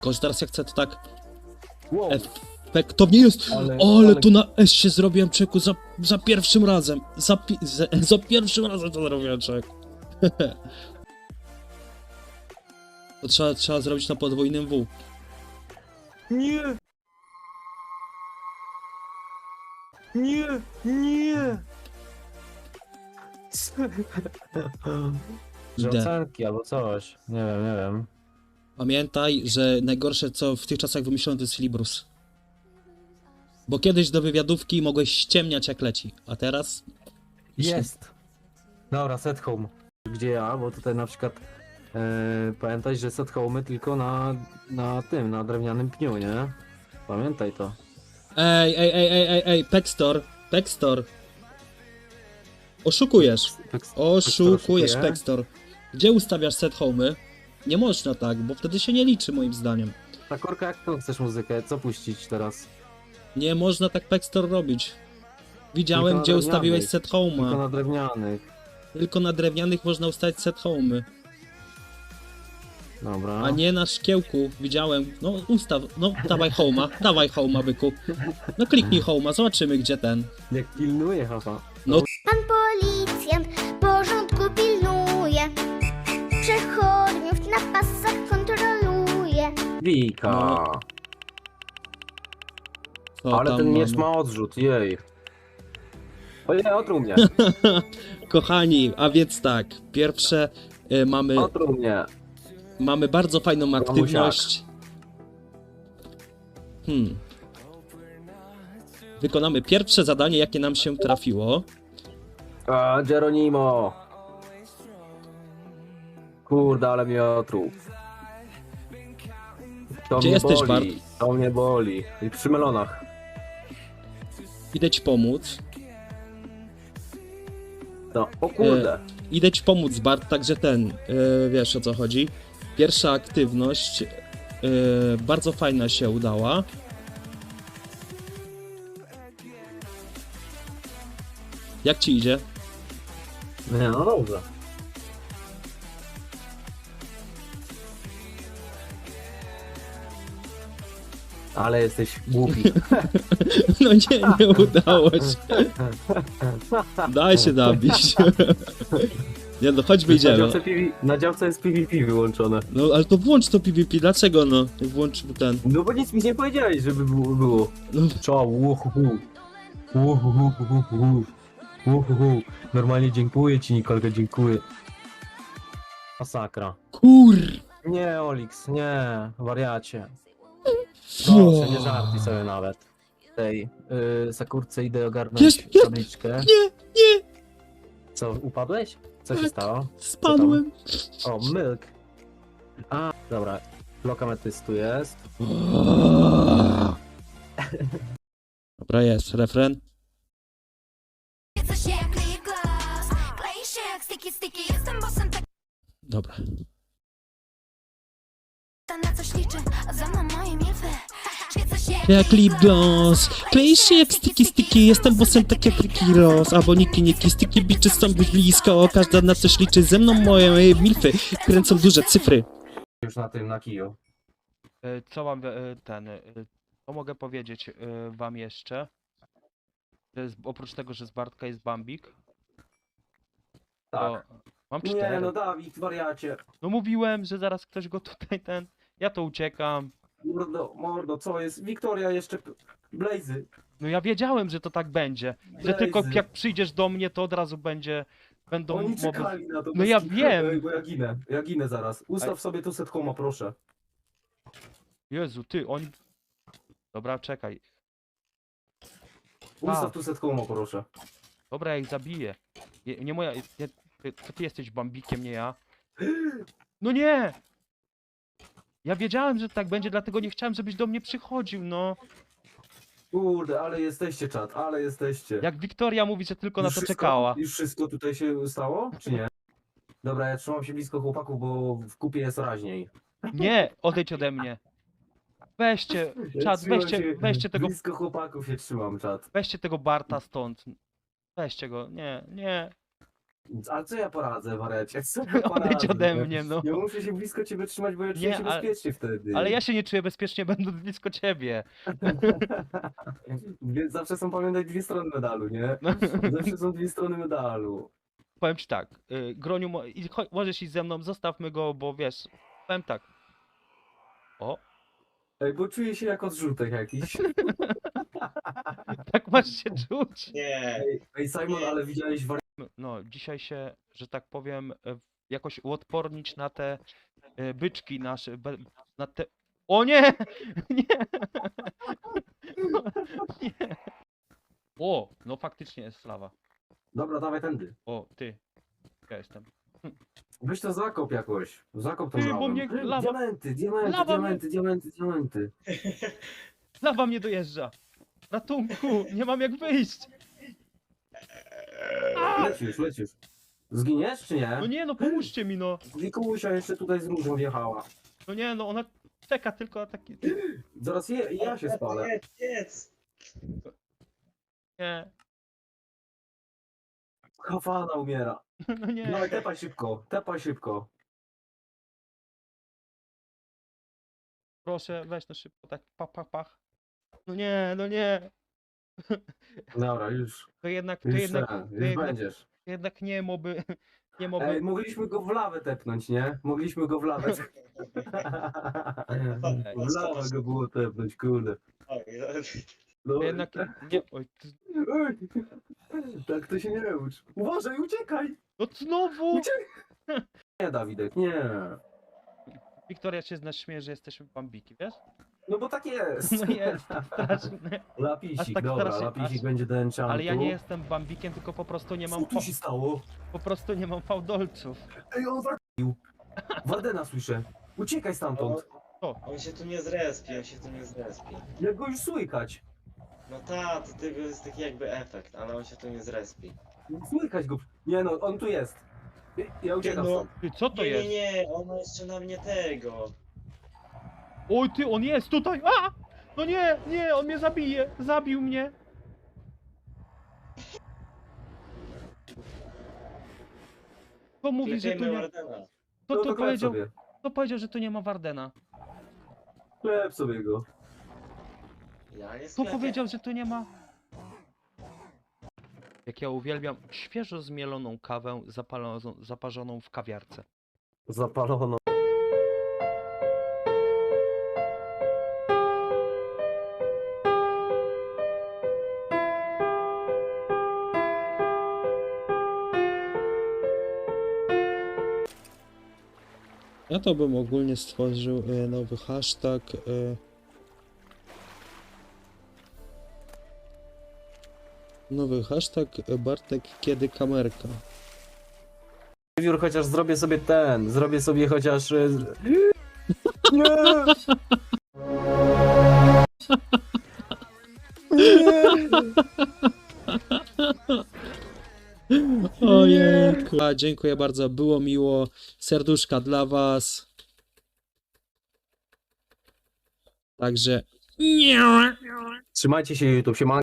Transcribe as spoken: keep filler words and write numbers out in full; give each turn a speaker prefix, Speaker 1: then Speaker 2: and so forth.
Speaker 1: Tylko, że teraz jak chcę to tak
Speaker 2: Wow.
Speaker 1: efektownie jest.
Speaker 2: Ale-
Speaker 1: Ale,
Speaker 2: ale-
Speaker 1: to na S się zrobiłem, czeku, za, za pierwszym razem. Za, pi- za, za pierwszym razem to zrobiłem, czek. To trzeba, trzeba zrobić na podwójnym W.
Speaker 2: Nie! Nie! Nie! Że
Speaker 1: Idę.
Speaker 2: ocenki albo coś. Nie wiem, nie wiem.
Speaker 1: Pamiętaj, że najgorsze co w tych czasach wymyślono to jest Librus. Bo kiedyś do wywiadówki mogłeś ściemniać jak leci, a teraz...
Speaker 2: Jest! Dobra, set home. Gdzie ja? Bo tutaj na przykład e, pamiętaj, że set home tylko na, na tym, na drewnianym pniu, nie? Pamiętaj to.
Speaker 1: Ej, ej, ej, ej, ej, ej, Pextor, Pextor. Oszukujesz,
Speaker 2: Peks-
Speaker 1: oszukujesz,
Speaker 2: oszukuje.
Speaker 1: Pextor. Gdzie ustawiasz set home'y? Nie można tak, bo wtedy się nie liczy moim zdaniem.
Speaker 2: Ta korka, jak to chcesz muzykę? Co puścić teraz?
Speaker 1: Nie można tak Pextor robić. Widziałem,
Speaker 2: Tylko na
Speaker 1: gdzie ustawiłeś
Speaker 2: drewnianych.
Speaker 1: set
Speaker 2: Tylko
Speaker 1: home'a.
Speaker 2: na drewnianych.
Speaker 1: Tylko na drewnianych można ustawić set home'y,
Speaker 2: Dobra.
Speaker 1: a nie na szkiełku. Widziałem. No ustaw, no dawaj home'a, dawaj home'a, byku. No kliknij home'a, zobaczymy gdzie ten.
Speaker 2: Jak pilnuje, haha.
Speaker 3: Pan policjant porządku pilnuje, przechodniów na pasach kontroluje.
Speaker 2: Wika.
Speaker 1: No. Co
Speaker 2: Ale
Speaker 1: tam
Speaker 2: ten miecz
Speaker 1: mamy?
Speaker 2: ma odrzut, jej. Ojej, otruł mnie.
Speaker 1: Kochani, a więc tak, pierwsze y, mamy,
Speaker 2: Otruł mnie.
Speaker 1: mamy bardzo fajną aktywność. Hmm. Wykonamy pierwsze zadanie, jakie nam się trafiło.
Speaker 2: A, Geronimo. Kurde, ale mnie otruł. To
Speaker 1: Gdzie
Speaker 2: mnie
Speaker 1: jesteś,
Speaker 2: boli. To mnie boli. I przy melonach.
Speaker 1: Idę ci pomóc.
Speaker 2: No, o kurde.
Speaker 1: Idę ci pomóc, Bart, także ten, y, wiesz o co chodzi. Pierwsza aktywność y, bardzo fajna się udała. Jak ci idzie?
Speaker 2: Nie, no dobrze. Ale jesteś głupi.
Speaker 1: No nie, nie udało się. Daj się nabić. Nie no, chodź
Speaker 2: Na
Speaker 1: wyjdziemy.
Speaker 2: działce, P V, na działce jest P V P wyłączone.
Speaker 1: No ale to włącz to PvP, dlaczego no? Włącz ten.
Speaker 2: No bo nic mi nie powiedziałeś, żeby było. było.
Speaker 1: No,
Speaker 2: Czoł, uhuhu. Uhuhu, uhuhu. Uhuhu. Normalnie dziękuję ci, Nikolka, dziękuję. Masakra.
Speaker 1: kur...
Speaker 2: Nie, Olix, nie, wariacie. Proszę, nie żartuj sobie nawet. Tej yy, Sakurce idę ogarnąć
Speaker 1: Jest, jest.
Speaker 2: tabliczkę.
Speaker 1: Nie, nie,
Speaker 2: Co, upadłeś? Co się
Speaker 1: Tak.
Speaker 2: stało?
Speaker 1: spadłem.
Speaker 2: O, milk. A, dobra. Blok ametystu jest.
Speaker 1: Dobra, jest, refren.
Speaker 4: Co się kryje glas, klei się jak sticky sticky, jestem bossem, tak
Speaker 1: Dobra.
Speaker 4: na coś liczę, a za mną moje milfy. Świecę się
Speaker 1: Jak lip gloss, klei się jak sticky sticky, jestem bossem tak jak Ricky Ross, albo niki niki, sticky bitches są blisko, każda na coś liczy, ze mną moje milfy, kręcą duże cyfry.
Speaker 2: Już na tym, na kiju.
Speaker 5: E, Co mam e, ten, e, co mogę powiedzieć e, wam jeszcze? Że z, oprócz tego, że z Bartka jest Bambik, to mam cztery.
Speaker 2: Nie, no Dawid, wariacie.
Speaker 5: No mówiłem, że zaraz ktoś go tutaj ten, ja to uciekam.
Speaker 2: Mordo, mordo, co jest? Wiktoria jeszcze... Blazy.
Speaker 5: No ja wiedziałem, że to tak będzie, że
Speaker 2: Blazy.
Speaker 5: tylko jak przyjdziesz do mnie, to od razu będzie, będą
Speaker 2: Oni
Speaker 5: mowy.
Speaker 2: czekali na to.
Speaker 5: No
Speaker 2: bez
Speaker 5: ja
Speaker 2: kitu.
Speaker 5: wiem.
Speaker 2: Ej, bo ja ginę, ja ginę zaraz. Ustaw
Speaker 5: Ej.
Speaker 2: sobie tu set homa, proszę.
Speaker 5: Jezu, ty, oni... Dobra, czekaj.
Speaker 2: Ustaw
Speaker 5: A.
Speaker 2: tu set homa, proszę.
Speaker 5: Dobra, ja ich zabiję. Nie, nie moja... Ja, ty, to ty jesteś Bambikiem, nie ja. No nie! Ja wiedziałem, że tak będzie, dlatego nie chciałem, żebyś do mnie przychodził, no.
Speaker 2: Kurde, ale jesteście czat, ale jesteście.
Speaker 5: Jak Wiktoria mówi, że tylko na
Speaker 2: Już
Speaker 5: to
Speaker 2: wszystko-
Speaker 5: czekała.
Speaker 2: Już wszystko tutaj się stało, czy nie? Dobra, ja trzymam się blisko chłopaków, bo w kupie jest raźniej.
Speaker 5: Nie, odejdź ode mnie. Weźcie,
Speaker 2: Ja
Speaker 5: czat,
Speaker 2: trzymam
Speaker 5: weźcie,
Speaker 2: się-
Speaker 5: weźcie tego,
Speaker 2: Blisko chłopaków się trzymam, czat.
Speaker 5: weźcie tego Barta stąd. Weźcie go, nie, nie.
Speaker 2: A co ja poradzę, Warecie? Co ja poradzę?
Speaker 5: Odejdź ode mnie, no.
Speaker 2: Ja muszę się blisko ciebie trzymać, bo ja czuję
Speaker 5: Nie,
Speaker 2: się
Speaker 5: ale-
Speaker 2: bezpiecznie wtedy.
Speaker 5: Ale ja się nie czuję bezpiecznie, będąc blisko ciebie.
Speaker 2: Więc zawsze są, pamiętaj, dwie strony medalu, nie?
Speaker 5: No.
Speaker 2: Zawsze są dwie strony medalu.
Speaker 5: Powiem ci tak, y, Groniu, mo- i- cho- możesz iść ze mną, zostawmy go, bo wiesz, powiem tak. O,
Speaker 2: Ej, bo czuję się jak odrzutek jakiś.
Speaker 5: tak masz się czuć.
Speaker 6: Nie,
Speaker 2: Ej, ej Simon, ale widziałeś wari...
Speaker 5: No, dzisiaj się, że tak powiem, e, jakoś uodpornić na te e, byczki nasze, be- na te... O nie! Nie! Nie! O, no faktycznie jest lawa.
Speaker 2: Dobra, dawaj tędy.
Speaker 5: O, ty. Ja jestem.
Speaker 2: Weź to zakop jakoś. Zakop tą
Speaker 5: Ty, bo
Speaker 2: lawę.
Speaker 5: mnie lawa-
Speaker 2: Diamenty, diamenty,
Speaker 5: Lawa mnie-
Speaker 2: diamenty, diamenty, diamenty.
Speaker 5: Lawa mnie dojeżdża! Ratunku! Nie mam jak wyjść!
Speaker 2: Lecisz, lecisz. Zginiesz czy nie?
Speaker 5: No nie, no pomóżcie mi, no!
Speaker 2: Wikusia jeszcze tutaj z różą wjechała.
Speaker 5: No nie, no ona czeka tylko na takie...
Speaker 2: Zaraz je, ja się spalę.
Speaker 6: jedz, jedz.
Speaker 5: Nie,
Speaker 2: Hafana umiera.
Speaker 5: no nie.
Speaker 2: Dawaj, tepaj szybko, tepaj szybko.
Speaker 5: Proszę, weź no szybko, tak pach, pach, pach. No nie, no nie.
Speaker 2: Dobra, już.
Speaker 5: To jednak, to
Speaker 2: Już,
Speaker 5: jednak,
Speaker 2: ten,
Speaker 5: to
Speaker 2: już
Speaker 5: jednak,
Speaker 2: będziesz.
Speaker 5: jednak nie moby, nie moby.
Speaker 2: Ej, mogliśmy go w lawę tepnąć, nie? Mogliśmy go w lawę. W lawę go było tepnąć, kurde.
Speaker 6: Oj,
Speaker 2: No,
Speaker 5: To jednak, nie, oj, ty,
Speaker 2: Ej, tak to się nie ucz. Uważaj, uciekaj!
Speaker 5: no znowu!
Speaker 2: Uciekaj! Nie, Dawidek, nie.
Speaker 5: Wiktoria się z nas śmieje, że jesteśmy bambiki, wiesz?
Speaker 2: No bo tak jest.
Speaker 5: No jest, straszne.
Speaker 2: Lapisik,
Speaker 5: Aż tak
Speaker 2: dobra,
Speaker 5: strasznie-
Speaker 2: lapisik
Speaker 5: aż-
Speaker 2: będzie do enchantu.
Speaker 5: Ale ja nie jestem bambikiem, tylko po prostu nie mam,
Speaker 2: Co tu
Speaker 5: fa-
Speaker 2: się stało?
Speaker 5: po prostu nie mam fałdolców.
Speaker 2: Ej, on wracił. Wardena słyszę. Uciekaj stamtąd.
Speaker 6: on się tu nie zrespi, on się tu nie zrespi.
Speaker 2: Jak go już słykać.
Speaker 6: No ta, to tego jest taki jakby efekt, ale on się tu nie zrespi.
Speaker 2: Słykać go. Nie no, on tu jest. Ja uciekam
Speaker 6: No.
Speaker 2: stąd.
Speaker 5: Ty, co to
Speaker 6: Nie, nie,
Speaker 5: jest?
Speaker 6: nie, on ma jeszcze na mnie tego.
Speaker 5: Oj ty, on jest tutaj! A! No nie, nie, on mnie zabije! Zabił mnie! Kto mówi, że tu
Speaker 6: Klepimy
Speaker 5: nie...
Speaker 6: Wardena.
Speaker 5: Kto
Speaker 2: No
Speaker 5: to
Speaker 2: to klep
Speaker 5: powiedział,
Speaker 2: sobie.
Speaker 5: kto powiedział, że tu nie ma Wardena?
Speaker 2: Klep sobie go.
Speaker 6: Ja nie
Speaker 5: Kto
Speaker 6: sklepię.
Speaker 5: powiedział, że tu nie ma? Jak ja uwielbiam świeżo zmieloną kawę zapaloną, zaparzoną w kawiarce.
Speaker 2: Zapalono.
Speaker 1: Ja to bym ogólnie stworzył e, nowy hashtag. E, nowy hashtag e, Bartek kiedy kamerka.
Speaker 2: Wiór, chociaż zrobię sobie ten, zrobię sobie chociaż... e, z- Nie!
Speaker 1: Ojejku. A, dziękuję bardzo, było miło. Serduszka dla was. Także...
Speaker 2: Trzymajcie się YouTube, się